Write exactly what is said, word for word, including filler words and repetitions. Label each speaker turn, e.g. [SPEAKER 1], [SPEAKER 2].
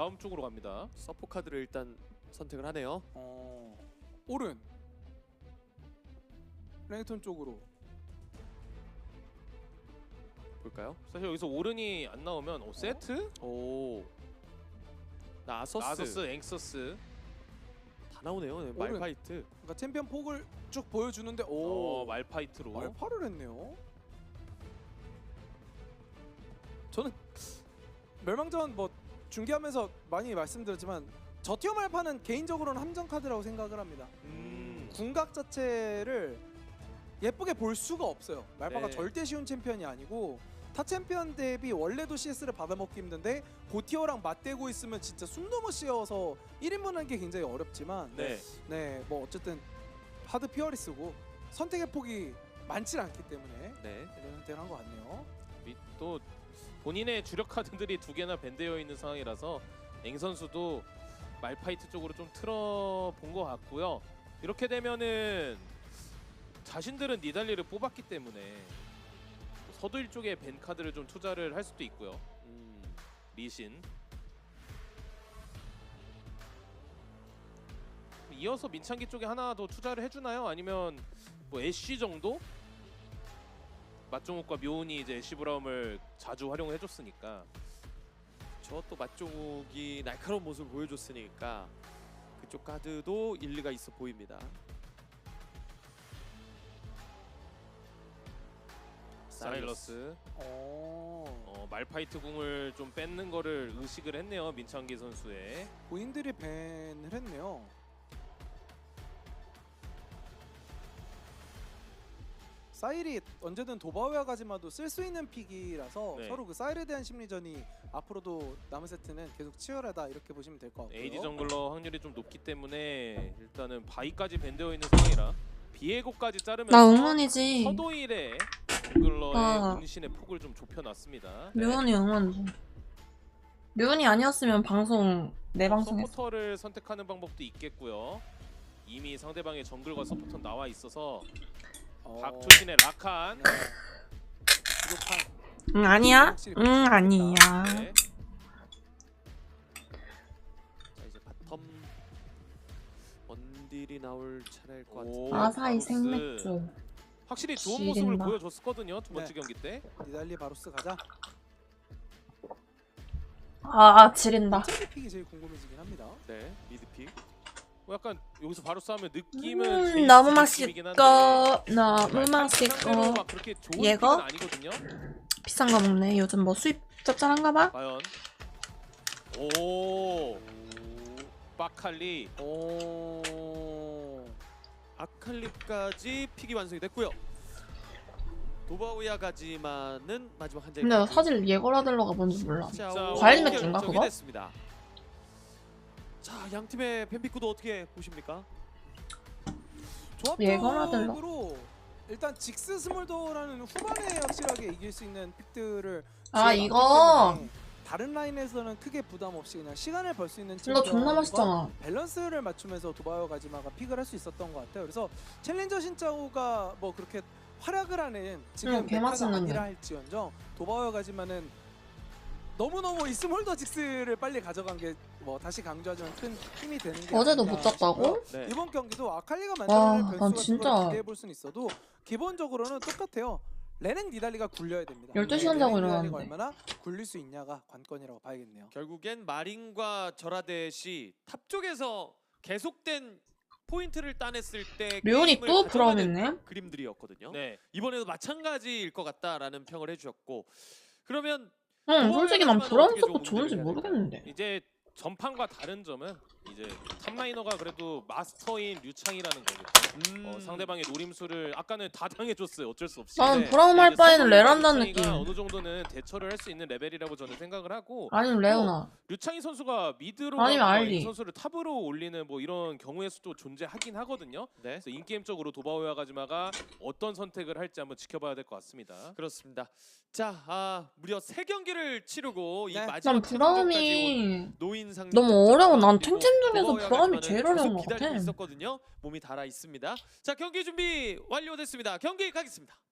[SPEAKER 1] 브라움 쪽으로 갑니다.
[SPEAKER 2] 서포 카드를 일단 선택을 하네요.
[SPEAKER 3] 어... 오른 레이턴 쪽으로
[SPEAKER 2] 볼까요?
[SPEAKER 1] 사실 여기서 오른이 안 나오면 어, 세트?
[SPEAKER 2] 오. 나서스.
[SPEAKER 1] 나서스, 앵서스.
[SPEAKER 2] 다 나오네요. 네,
[SPEAKER 3] 오른.
[SPEAKER 2] 말파이트.
[SPEAKER 3] 그러니까 챔피언 폭을 쭉 보여주는데 오
[SPEAKER 1] 어, 말파이트로.
[SPEAKER 3] 말파를 했네요. 저는 멸망전 뭐 중계하면서 많이 말씀드렸지만 저 티어 말파는 개인적으로는 함정 카드라고 생각을 합니다.
[SPEAKER 1] 음.
[SPEAKER 3] 궁각 자체를 예쁘게 볼 수가 없어요. 말파가
[SPEAKER 2] 네.
[SPEAKER 3] 절대 쉬운 챔피언이 아니고 타 챔피언 대비 원래도 씨에스를 받아먹기 힘든데 고티어랑 맞대고 있으면 진짜 숨 넘어 씌어서 일 인분 하는 게 굉장히 어렵지만
[SPEAKER 1] 네.
[SPEAKER 3] 네, 뭐 어쨌든 하드 피어리스고 선택의 폭이 많지 않기 때문에
[SPEAKER 2] 네.
[SPEAKER 3] 이런 선택을 한 것 같네요.
[SPEAKER 1] 이- 또 본인의 주력 카드들이 두 개나 밴되어 있는 상황이라서 앵 선수도 말파이트 쪽으로 좀 틀어본 것 같고요. 이렇게 되면은 자신들은 니달리를 뽑았기 때문에 서두일 쪽에 밴 카드를 좀 투자를 할 수도 있고요.
[SPEAKER 2] 음.
[SPEAKER 1] 리신. 이어서 민창기 쪽에 하나 더 투자를 해주나요? 아니면 뭐 애쉬 정도? 맞종욱과 묘은이 이제 애쉬 브라움을 자주 활용을 해줬으니까.
[SPEAKER 2] 저 또 맛종욱이 날카로운 모습을 보여줬으니까 그쪽 카드도 일리가 있어 보입니다.
[SPEAKER 1] 사일러스.
[SPEAKER 3] 어,
[SPEAKER 1] 어, 말파이트 궁을 좀 뺏는 거를 의식을 했네요. 민창기 선수의.
[SPEAKER 3] 본인들이 밴을 했네요. 사일이 언제든 도바웨아 가지마도 쓸 수 있는 픽이라서
[SPEAKER 1] 네.
[SPEAKER 3] 서로 그 사일에 대한 심리전이 앞으로도 남은 세트는 계속 치열하다 이렇게 보시면 될 것 같고요.
[SPEAKER 1] 에이디 정글러 확률이 좀 높기 때문에 일단은 바이까지 밴되어 있는 상황이라 비에고까지 자르면서
[SPEAKER 4] 나 응원이지.
[SPEAKER 1] 서도일의 정글러의
[SPEAKER 4] 아.
[SPEAKER 1] 운신의 폭을 좀 좁혀놨습니다.
[SPEAKER 4] 류은이 응원이지. 류은이 아니었으면 방송 내 방송했어.
[SPEAKER 1] 서포터를 선택하는 방법도 있겠고요. 이미 상대방의 정글과 서포터 나와 있어서
[SPEAKER 3] 어,
[SPEAKER 1] 박초신의 라칸.
[SPEAKER 3] 네. 부족한
[SPEAKER 4] 응 아니야? 응 아니야.
[SPEAKER 1] 네.
[SPEAKER 2] 자 이제 바텀 원딜이 나올 차례일 것
[SPEAKER 1] 오,
[SPEAKER 2] 같은데.
[SPEAKER 4] 아사히
[SPEAKER 1] 바로스.
[SPEAKER 4] 생맥주.
[SPEAKER 1] 확실히 좋은
[SPEAKER 4] 지린다.
[SPEAKER 1] 모습을 보여줬었거든요. 두 번째
[SPEAKER 3] 네.
[SPEAKER 1] 경기 때.
[SPEAKER 3] 니달리 바로스 가자.
[SPEAKER 4] 아, 아 지린다.
[SPEAKER 3] 이 픽이 제일 궁금해지긴 합니다.
[SPEAKER 2] 네 미드픽.
[SPEAKER 1] 뭐 약간 여기서 바로 싸우면 느낌은
[SPEAKER 4] 음,
[SPEAKER 1] 제이스
[SPEAKER 4] 너무
[SPEAKER 1] 느낌이긴
[SPEAKER 4] 맛있고
[SPEAKER 1] 한데
[SPEAKER 4] 너무
[SPEAKER 1] 상대로
[SPEAKER 4] 맛있고
[SPEAKER 1] 막 그렇게 좋은
[SPEAKER 4] 얘가?
[SPEAKER 1] 픽은 아니거든요.
[SPEAKER 4] 비싼 거 먹네. 요즘 뭐 수입 짭짤한가 봐.
[SPEAKER 1] 과연 오 빠칼리.
[SPEAKER 3] 오,
[SPEAKER 2] 아칼리까지 픽이 완성이 됐고요. 도바우야 가지만은 마지막 한 장.
[SPEAKER 4] 근데 나 사실 예거라들러가 뭔지 몰라.
[SPEAKER 2] 자,
[SPEAKER 1] 진짜
[SPEAKER 2] 오,
[SPEAKER 4] 과일
[SPEAKER 2] 연결
[SPEAKER 4] 맥주인가,
[SPEAKER 2] 결정이
[SPEAKER 4] 그거?
[SPEAKER 2] 됐습니다. 자, 양 팀의 팬피크도 어떻게 보십니까?
[SPEAKER 4] 예거라들러.
[SPEAKER 3] 조합적으로 일단 직스 스몰더라는 후반에 확실하게 이길 수 있는 픽들을
[SPEAKER 4] 아,
[SPEAKER 3] 지어놨기
[SPEAKER 4] 이거?
[SPEAKER 3] 때문에 다른 라인에서는 크게 부담 없이 그냥 시간을 벌 수 있는
[SPEAKER 4] 이거 존나
[SPEAKER 3] 챔피언과
[SPEAKER 4] 맛있잖아.
[SPEAKER 3] 밸런스를 맞추면서 도바요 가지마가 픽을 할 수 있었던 것 같아요. 그래서 챌린저 신짜오가 뭐 그렇게 활약을 하는 지금
[SPEAKER 4] 응, 개
[SPEAKER 3] 메타가
[SPEAKER 4] 맛있는데.
[SPEAKER 3] 아니라 할지언정 도바요 가지마는 너무너무 이 스몰더 직스를 빨리 가져간 게 뭐 다시 강조하지만 큰 힘이 되는 게
[SPEAKER 4] 어제도
[SPEAKER 3] 아닌가
[SPEAKER 4] 못 잤다고?
[SPEAKER 3] 싶고요.
[SPEAKER 2] 네.
[SPEAKER 3] 이번 경기도 아칼리가
[SPEAKER 4] 와,
[SPEAKER 3] 만들어낼
[SPEAKER 4] 난
[SPEAKER 3] 변수 같은
[SPEAKER 4] 진짜-
[SPEAKER 3] 걸 기대해 볼 수는 있어도 기본적으로는 똑같아요. 레넥 니달리가 굴려야 됩니다.
[SPEAKER 4] 열두 시간
[SPEAKER 3] 레넥
[SPEAKER 4] 자고
[SPEAKER 3] 니달리가
[SPEAKER 4] 일어났는데.
[SPEAKER 3] 얼마나 굴릴 수 있냐가 관건이라고 봐야겠네요.
[SPEAKER 2] 결국엔 마린과 저라데시 탑 쪽에서 계속된 포인트를 따냈을 때
[SPEAKER 4] 류은이
[SPEAKER 2] 게임을
[SPEAKER 4] 또
[SPEAKER 2] 가져가는
[SPEAKER 4] 브라움했네.
[SPEAKER 2] 그림들이었거든요.
[SPEAKER 1] 네.
[SPEAKER 2] 이번에도 마찬가지일 것 같다라는 평을 해주셨고, 그러면
[SPEAKER 4] 응, 솔직히 난
[SPEAKER 2] 도바우야
[SPEAKER 4] 브라운
[SPEAKER 2] 가지마는
[SPEAKER 4] 서포
[SPEAKER 2] 어떻게
[SPEAKER 4] 좋은지
[SPEAKER 2] 좀 운영을 해야
[SPEAKER 4] 모르겠는데.
[SPEAKER 1] 이제 전판과 다른 점은 이제 탑라이너가 그래도 마스터인 류창이라는 거고
[SPEAKER 2] 음...
[SPEAKER 1] 어, 상대방의 노림수를 아까는 다 당해줬어요. 어쩔 수 없이.
[SPEAKER 4] 난
[SPEAKER 2] 네.
[SPEAKER 4] 브라움 할
[SPEAKER 1] 이제
[SPEAKER 4] 바에는
[SPEAKER 1] 서브웨어
[SPEAKER 4] 레란다
[SPEAKER 1] 류창이가
[SPEAKER 4] 느낌.
[SPEAKER 1] 어느 정도는 대처를 할 수 있는 레벨이라고 저는 생각을 하고
[SPEAKER 4] 아니면 레오나.
[SPEAKER 1] 류창희 선수가 미드로
[SPEAKER 4] 아니면
[SPEAKER 1] 가고
[SPEAKER 4] 알리.
[SPEAKER 1] 이 선수를 탑으로 올리는 뭐 이런 경우의 수도 존재하긴 하거든요.
[SPEAKER 2] 네,
[SPEAKER 1] 그래서 인게임적으로 도바오야 가지마가 어떤 선택을 할지 한번 지켜봐야 될 것 같습니다.
[SPEAKER 2] 그렇습니다. 자, 아, 무려 세 경기를 치르고 이
[SPEAKER 3] 네.
[SPEAKER 2] 마지막
[SPEAKER 4] 난
[SPEAKER 2] 최종전까지 온
[SPEAKER 4] 브라움이
[SPEAKER 2] 노인 상대
[SPEAKER 4] 너무 어려워. 난 탱템 중에서 브라움이 제일 어려운 것
[SPEAKER 2] 기다리고
[SPEAKER 4] 같아.
[SPEAKER 2] 있었거든요. 몸이 달아 있습니다. 자, 경기 준비 완료됐습니다. 경기 가겠습니다.